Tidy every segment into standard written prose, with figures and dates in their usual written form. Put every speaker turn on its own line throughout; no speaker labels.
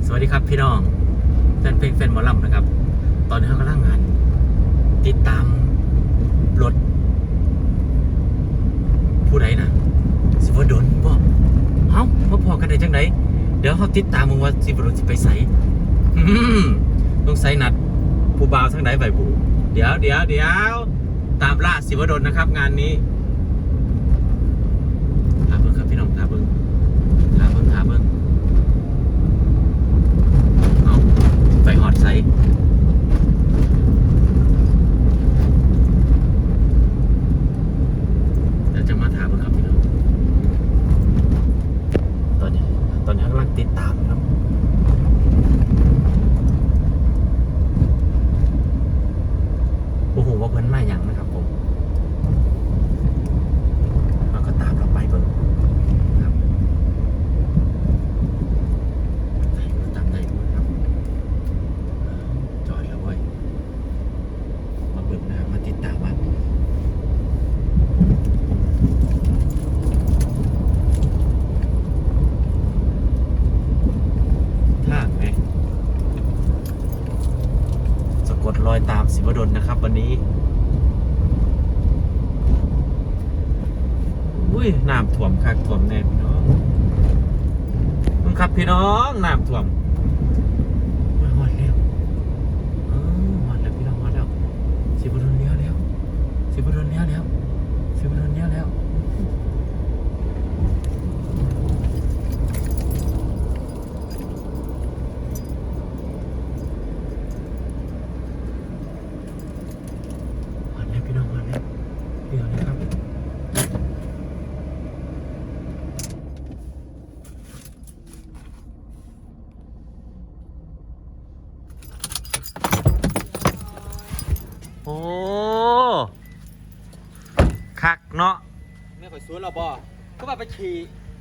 สวัสดีครับพี่น้องแฟนเพลงแฟนหมอลำนะครับตอนนี้เขากำลังงานติดตามรถผู้ใดนะสิวดลบ่เอ้ามาพอกันได้จังไดเดี๋ยวเขาติดตามมึงว่าสิวดลสิไปใส่ต้องใส่นัดผู้บ่าวทั้งใดใบบูเดี๋ยวตามล่าสิวดลนะครับงานนี้หาเบิ่งครับพี่น้องหาเบิ่งเอาไปหอดใส่เดี๋ยวจะมาถามครับพี่น้องตอนนี้กำลังติดตามครับโอ้โหว่าเพิ่นมาอย่างนะครับผมเราก็ตามเราไปเบิ่งครับตามได้ครับจอดแล้วเว้ยมาเบิ่งนะมาติดตามว่าท่าไหมสะกดรอยตามศิวดลนะครับวันนี้อุ้ยน้ำท่วมคักท่วมแน่พี่น้องมึงครับพี่น้องน้ำท่วมมาหอดแล้วหอดแล้วพี่น้องหอดแล้วศิวดลเลี้ยวแล้วศิวดลเลี้ยวแล้วศิวดลเลี้ยวแล้วหอดแล้วพี่น้องหอดแล้วเลี้ยวเลยครับโอ้คักเนาะ
ไม่ค่อยสวนเราบ่ก็ว่าไปขี่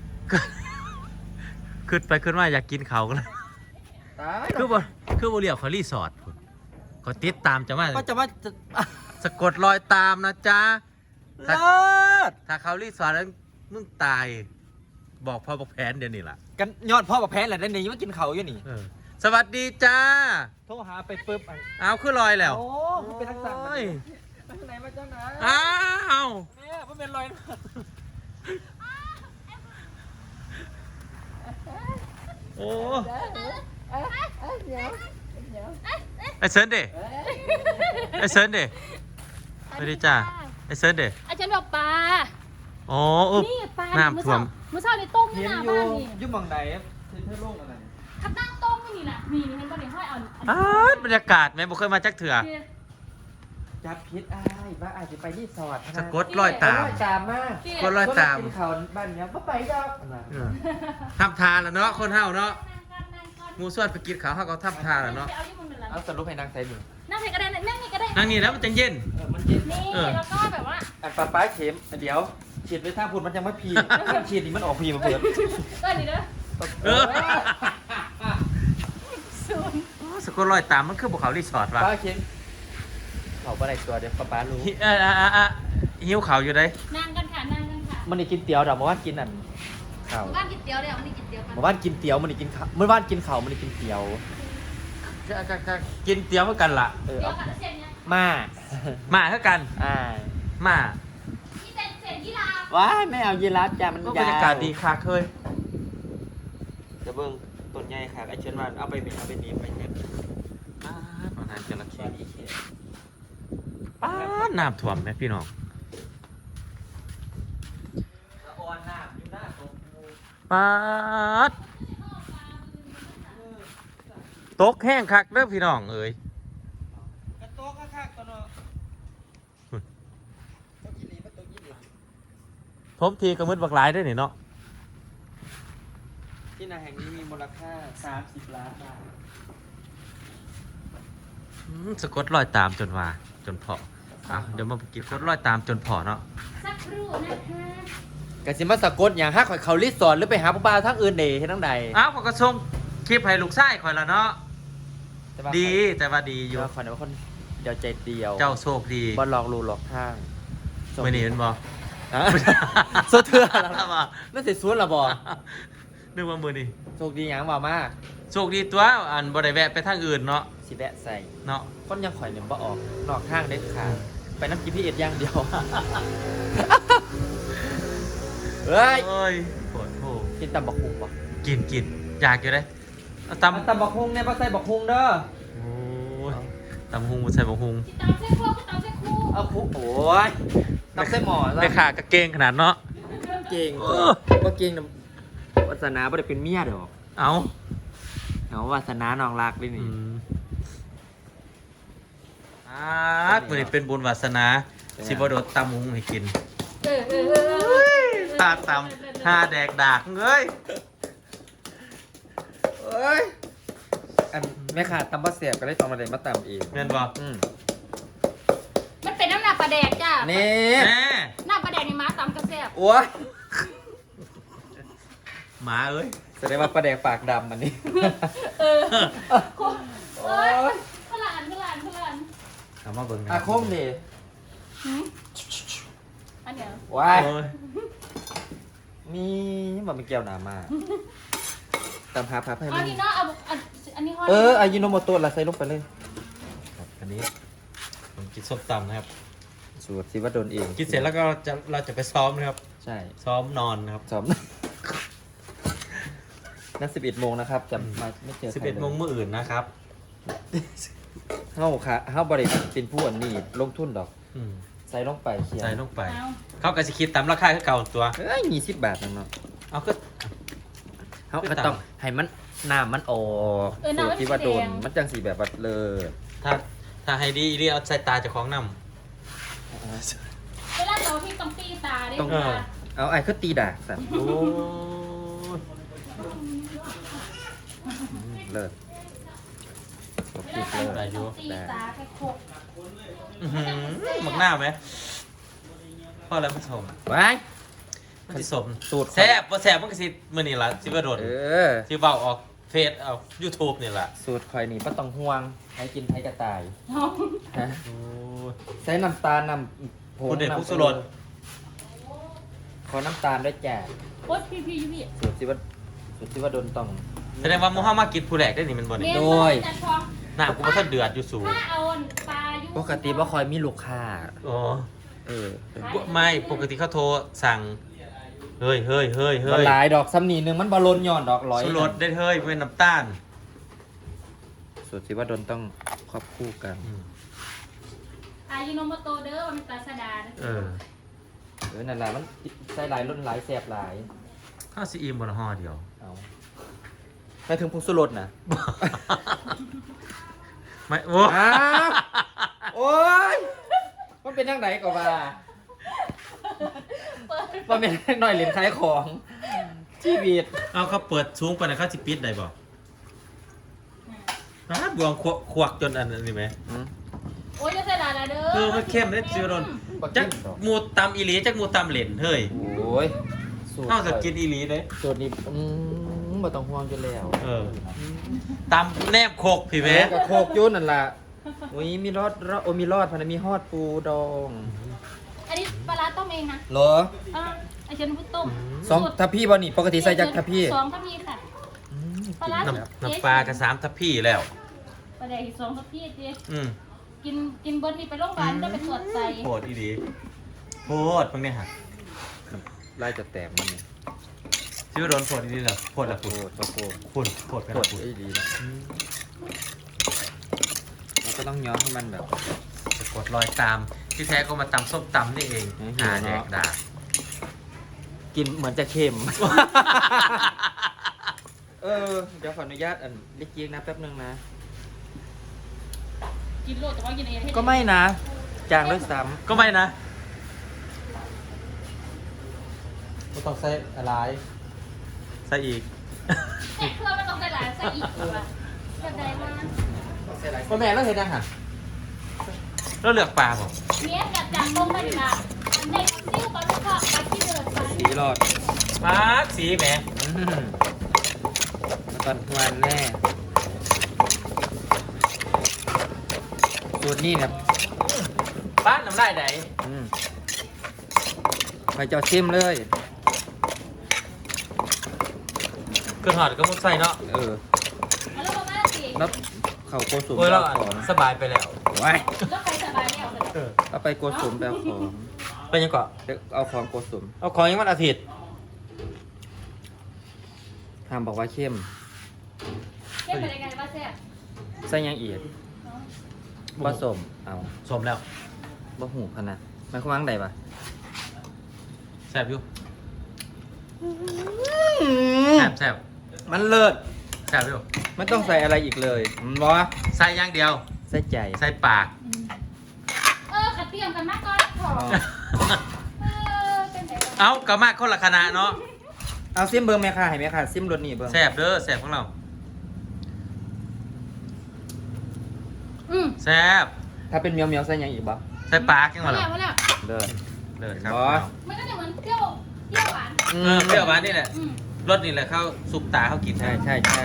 ขึ้นมาอยากกินเขาวกันเลย
ตาย
คือบ่เรียกเขารีสอร์ทพุ่นเขาติดตามจะมา
ก็จะว่าจะ
สะกดรอยตามนะจ๊ะ
เลิศ
ถ้าเขารีสอร์ทแล้วมึงตาย บอกพ่อบอกแผนเดี๋ยวนี้ล่ะ
กันยอดพ่อกับแพ้แหละได้นี่มากินเขาอยู่นี่
สวัสดีจ้า
โทรหาไปปึ๊บอัน
เอาขึ้นลอยแล้ว
โอ้เป็นทักษะ
โอ้ย
ไปไหนมาจ้านะ
อ้าว
เนี่ยเพิ่งเป็นรอยนะ
โอ้ไอเซิร์นเดไอเซิร์นเดสวัสดีจ้าไอเซิร์นเด
อาจารย์บอกปลา
อ๋อ
นี่ปลา
น้ำท่วม
มื้อเช้านี่ต้มที่
เห็น
หน้า
อยู่
บ้านนี่
ยุ่งบังไหนเธอโล่งอะไร
ขับนั่งต้มนี่น่ะนี่เห็นบ่ได้ห้อยเอา
บรรยากาศไหมบ่เคยมาจักเถื่อ
จับพิษอ้ายว่าอาจจะไปรีสอร์ท
สะกดรอยตาม
รอยตามมาก
กดรอยตาม
กินเขาบ้านเนี้ยก็ไปดอก
ทำทานแล้วเนาะคนเฮาเนาะหมูส่วนไปกินข้าวเฮาก็ทำทานแล้วเนาะ
เอาสรุปให้นางใส่หนึ่ง
นั่งไหนก็ได้นั่งนี่ก็ได้
นั่งนี่แล้วมันจังเย็น
มันเย็น
นี่แล้วก็แบบว่า
อันป้าเข็มเดี๋ยวฉีดไปทางพุ่นมันยังไม่พีฉีดนี่มันออกพีมาเปิด
ก็นี่เด้อ
สกุลรอยตามมันคือภูเขารีสอร์ทว่ะ
ป้าเข็มเขาอะไรตัวเดี๋ยวป้ารู้
หิวเขาวอยู่ได้
นั่งกันค่ะนั่งกันค่ะ
มันนี่กินเตี๋ยวเดี๋ยวมาว่านกินอันข้าว
บ้านกินเตี๋ยวเลยมันนี่กินเตี๋ยวกัน
มาว่านกินเตี๋ยวมันนี่กินข้าวเมื่อว่านกินข้าวมันนี่กินเตี๋ยว
กินเตี๋ยวเพื่อกันล่ะ
เออ
เตี๋ยว
เอา
กับเส้นเนี่ย
มา
มาเท่ากัน มา
ที่เส้นยี่รา
ว้ายไม่เอายีราฟจ้ะมัน
ก็บร
ยาร
ยากาศดีค่ะเคย
จะเบิ่งต้นใหญ่ค่ะไอเชิญว่าเอาไปเป็นเอาไปนี้ไปเนี่ย
ตอนนั้นจระเข้
บ้านอีเขีย
ป้าดน้ำท่วมไหมพี่น้อง
อ่อนน้ำอยู่หน้าตก
ป้าดตกแห้งคักเด้อพี่น้องเอ้ย
กระโต๊ะข้างๆตัวเนาะตัวยี่หลีมันตัวยี่หลี
ผมทีก็มืดบักหลายได้อนี่เนาะ
ที่นาแห่งนี้มีมูลค่า30 ล้านบาท
สะกดรอยตามจนว่าจนพอเดี๋ยวมากินสะกดรอยตามจนพอเนาะ
สักครู่นะคะ
กสิมาสะกดอย่างฮักข่อยเขารีสอร์ทหรือไปหาผู้บ่าวทั้งอื่นเดย์ที่ทั้งใด
อ้าวเขาก็ส่งคลิปให้ลูกชายข่อยแล้วเนาะ
แต่ว่า
ดีแต่ว่าดีอ
เดี๋
ยู่
ยวขอเนี่ยว่าคนเดียวใจเดียว
เจ้าโชคดี
บอลหลอกลูหลอกทาง
ไม่นี่เห็นบ่
อ่ะโซเถื่อแล้ว
บ่
นั่นเสียสวนละบอ
นึกว่ามือนี่
โชคดีอย่างบ่ามาก
โชคดีตัวอันบ่ได้แวะไปทางอื่นเนาะ
สิแวะใส่
เนาะ
คนยังข่อยเนี่ยบ่ออกนอกทางเด็ดขาดไปน้ำ GPS อย่างเดียว เฮ้ย
โอ้ยปวดโห
กินตำบักฮุงบ่
กินอยากอยู่เลยเอาตำ
ตำบักฮุงเนี่ยบ่ใส่บักฮุงเด้อ
โอ้ยตำหุงบ่ใส่บ่หุง
ที่ตามเส้นพวกก็ตามเส้นคู่
เอาคุโอ้ยตำใส่หม้อซะ
ไปขากระเกงขนาดเนาะ
เก่ง
เออ
บ่เก่งนะวาสนาบ่ได้เป็นเมียดอก
เอา
เอาวาสนาน้องรักด้วย
อื
นี่
มมื้อนี้เป็นบุญวาสนาสิบ่โดดตำหุงให้กิน
เออ
ตาตำหาแดกดากเอ้ย
เอ้ยอันแม่ขาดตำบ่แซ่บก็เลยต้องมาได้มาตำเอง
แม่นบ่
มันเป็นน้ำหนักปลาแดกจ้า
นี่
แม่
หน้าปลาแดกในม้าตำกระแซบ
โอ้ย
หมาเอ้ย
แสดงว่าปลาแดกปากดำมันนี่
เออโอ้ยขลาน
เอามาเบิ่งนะ
อาคมดิ
อันเนี้ย
ว้าย
โอ้ย
มีมันเป็นแก้วหนามาตำหาพับให้
เอา
มัน
ที่เนาะเอาอันนี้ห้อย
อายิโนโมโตะละใส่ลงไปเลย
ครับอันนี้ผมกินส้มตำนะครับ
สูตรสิว่าโดนเอง
กินเสร็จแล้วก็เราจะไปซ้อมนะครับ
ใช่
ซ้อมนอนนะครับ
ซ้อม นัด11 โมงนะครับจะมาไม่เจอใคร
11 โมงมื้ออื่นนะครับ
เฮาค่ะเฮาบริษัทเป็นผู้อันนี้ลงทุนดอก
อืม
ใส่ลงไปเขียน
ใส่ลงไป
เอา
เขาก็สิคิดตามราคาคือเก่าตัว
เอ้ยมี10 บาทนั่นเนาะ
เอาก็
เฮา
คือ
ก็
ตำ
ต้องให้มันน้ำมันออกสูตรที่ว่าโดนมันจังสีแบบว่าเลย
ถ้าให้ดีเรียเอาใส่ตาเจ้าของนำ
เวลาเราพี่ต้องตีตาได้
ต้อง
ค่ะ
เอาไอ้คือตีดากสัตว์
โอ้ย
เลิศ
เวลาเราต้องตีตาไปขบ
อื้อหือหมักหน้าไหมพ่อแล้วผสม
ไว้
มันสิสม
สูตร
แซ่บบ่แซ่บมันก็สิมื้อนี้ล่ะสิบ่โดน
เออ
สิเว้าออกเฟซเอา YouTube นี่ล่ะ
สูตรคอยนี่ป้ต้องห่วงให้กินให้กระต่าย
น้อง
ฮะ
โอ้ย
ใส่น้ำตาลน้ำผง
คุณเด็ด
น้ำ
พุกสุรส
ขอน้ำตาลด้วยจ้ะ
โอ๊ยพี่ยูพี่
สูตรที่ว่าโดนต้อง
แสดงว่าหมู่เฮามากินผู้แรกได้นี่มันบ่นี่
โดย
น้ำกูบ่ทันเดือดอยู่สูง
ถ้าเอาปลายู
ปกติว่าคอยมีลูกค้า
อ๋อ
เออ
ไม่ปกติเขาโทรสั่งเฮ้ย
มันหลายดอกซ้ำนีหนึงมันบอลลนย่อนดอกร้อย
สุรสได้เฮ้ยเป็นน้ำตาล
สูตรที่ว่าโดนต้องครอบคู่กัน
อายุโนโมโตเด้อมันปลาสดา
เออ
นั่นแหละมันใส่หลายรุ่นหลายแสบหลาย
ข้าวซีอิมบนห่อเดียว
เอาไปถึงผงสุรสนะ
ไม่โอ้
อ้าวโอ้ยมันเป็นยังไงก็ว่ามันเป็นหน่อยเหรียญขายของชีวิต
เอาเขาเปิดสูงไปนะเขาสิปิดได้บ่บวงขวักจนอันนี้ไหม
โอ้ยจะใส่ลาเด้อ
คือมันเข้มเลยจิโรนจักหมูตำอีหลีจักหมูตำเหรนเฮ้ย
โอ้ยสูตร
เอาจะกินอีหลีเลย
สูตรนี้บ่ต้องห่วงจนแล้ว
เออตำแนบโคกพี่แม่
กับโคกยุ่นนั่นล่ะโอ้ยมีรอดโอ้มีรอดพันมีฮอดปูดอง
อันนี้ปลาร้าต้มเองนะ
เหรอ
ไอเชนพุทต้ม
สองทัพพี่บ่นี่ปกติใส่จักทัพพี่
2ทัพพีค่ะปลาร้า
น้ำปลากระสามทัพพี่แล้ว
ปลาแดกอีก2ทัพพีเจ๊
อืม
กินเบิร์ดนี่ไปโรงพยาบาลได้ไปตรวจใส่
โคตรอีหลีโคตรเพิ่งเนี่ยฮะ
ไล่จะแตกมันนี่
จิโรนโคตรอีหลีเหรอโคตรละ
โค
คุณ
ตรโคตร
โคตรกัน
โคต
ละ
ร
คุณ
ไอ้ดีนะเราก็ต้องย้อนให้มันแบบ
จะกดรอยตามที่แท้ก็มาตำส้มตำนี่เอง
หิว
หาแดก
เนาะ
ดา
กินเหมือนจะเค็ม เดี๋ยวขออนุญาตเล็กยิงนะแป๊บนึงนะ
กินโลดแต่ว่ากินเอง
ก็ไม่นะจางด้วยซ้
ก็ไม่นะก็ต้องใส่อะไรใส่อีก
แต่เพื่อมันต้องใส่หลายใส่อีกแบบแบบใดมา
ำ
พ่อแม่เราเห็นยังค่ะเราเลือกปลาผม
เนี้ยกับจางลงไปดีละในซิ่วปลาลูกค้าปลาที่เดินไป
สีรอด
ปลาสีแหม
มาตอนทวนแน่สูตรนี้เนี่ย
ปลาน้ำลายไหน
ไปเจ้าชิมเลย
เครื่องหอดก็มุดใส่เนาะ
เออ
แล้วบอกว่าสิ
แล้วเขาโกสุม
โอ้ยเรา
เอาของ
สบายไปแล้ว
ไว้
แล้วใครสบายแล้ว
เอาไปโกสุมไปเอาของ
ไปยังเกาะ
เดี๋ยวเอาของโกสุม
เอาของยังวันอาทิตย์
ทำบอกว่าเข้ม
เล่นเป็นยังไงบ้างแซ่บ
ใส่หยังอีกผสมเอา
สมแล้ว
บ่หูพะนะมันเขาวางใดปะ
แซ่บอยู่แซ่บแซ่บ
มันเลิศ
แซ่บอยู่
ไม่ต้องใส่อะไรอีกเลยมันบอกว่า
ใส่อย่างเดียว
ใส่ใจ
ใส่ปาก
ขัดเตรียมกันมากก่อนขอเป็นไง
เอากระมากคนละคณะเนาะ
เอาซิมเบิ้งแม่ค่ะให้แม่ค่ะซิมรสนี่เบิ้ง
แซ่บเด้อแซ่บของเราแซ่บ
ถ้าเป็นเมียวเมียวๆใส่หยังอีกบ่
ใส่ปากยังไง
มา
ล่ะ
แล้วมาแล้ว
เลิศ
เลิศครับ
บ่
มันก็จะเหมือนเปรี้ยวหวาน
เปรี้ยวหวานนี่แหละรสนี่แหละเข้าสุปตาเข้ากิน
ใช่ใช่ใช่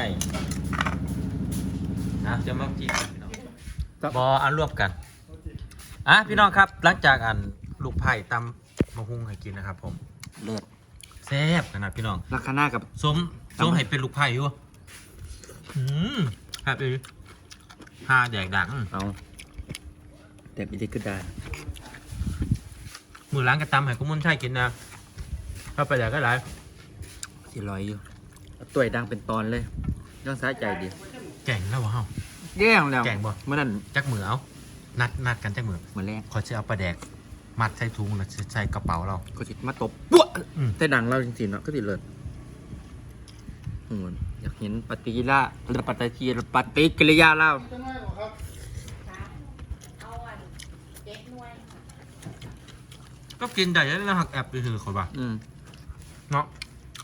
นะจะมากินกันพี่น้องบออันรวมกันอ่ะพี่น้องครับหลังจากอันลูกไผ่ตำมะฮุ่งให้กินนะครับผม
เลิศ
แซ่บขนาดพี่น้อง
ลักษณะกับ
ส้มให้เป็นลูกไผ่อยู่ครับอีหาแดกดัง
เอาแต่อีกก็ได้
มือล้างกระตำให้กุ้งมุนไช่กินนะเข้าไปแดกก็ได้
สิลอยอยู่เอาตัวยดังเป็นตอนเลยต้องสะใจดี
แก่งแล้ววะเฮา
แย่งแล้ว
แกงบ่
เมื่อนั้น
จักมือเอานัดกันจักมือ
มาแรก
ขอจะเอาปลาแดกมัดใส่ถุงแล้วใส่กระเป๋าเรา
ก็สิมาตบปุ๊บ
อืม
แต่ดังเราจริงๆเนาะก็ติเลิศโอ้ยอยากเห็นปฏิกิริยาหรือปฏิกิริยาเรา
เอาเด็กนวล
ก็กินได้แล้วหักแอบไปถือคนบ่า
อืม
เนาะ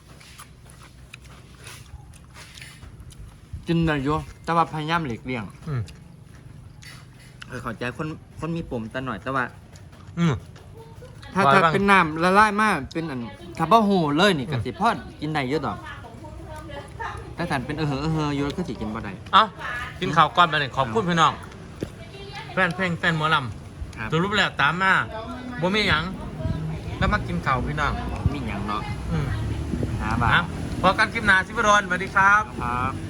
กินได้อยู่แต่ว่าพยายามหลีกเลี่ยง
อืม
เข้าใจคนมีปุ่มแต่หน่อยแต่ว่า
อืม
ถ้า
ว่า
ถ้า
บ้าง
เป็นน้ำละลายมากเป็นอันถ้าบ่หูเลยนี่ก็สิพอกินได้เยอะดอกแต่ถ้าเป็นอยู่แล้วก็สิกินบ่ได้
เอ้ากินข้าวก้อนไปเลยขอบคุณพี่น้องแฟนเพลงแฟนหมอล
ครับ
ำสรุปแล้วตามมาบ่มีหยังแล้วมากินข้าวพี่น้อง
มีหยังเนาะ
อืม
หาบ้า
นะพอกันคลิปหน้าสิบดอนสวัสดีครับ
ครับ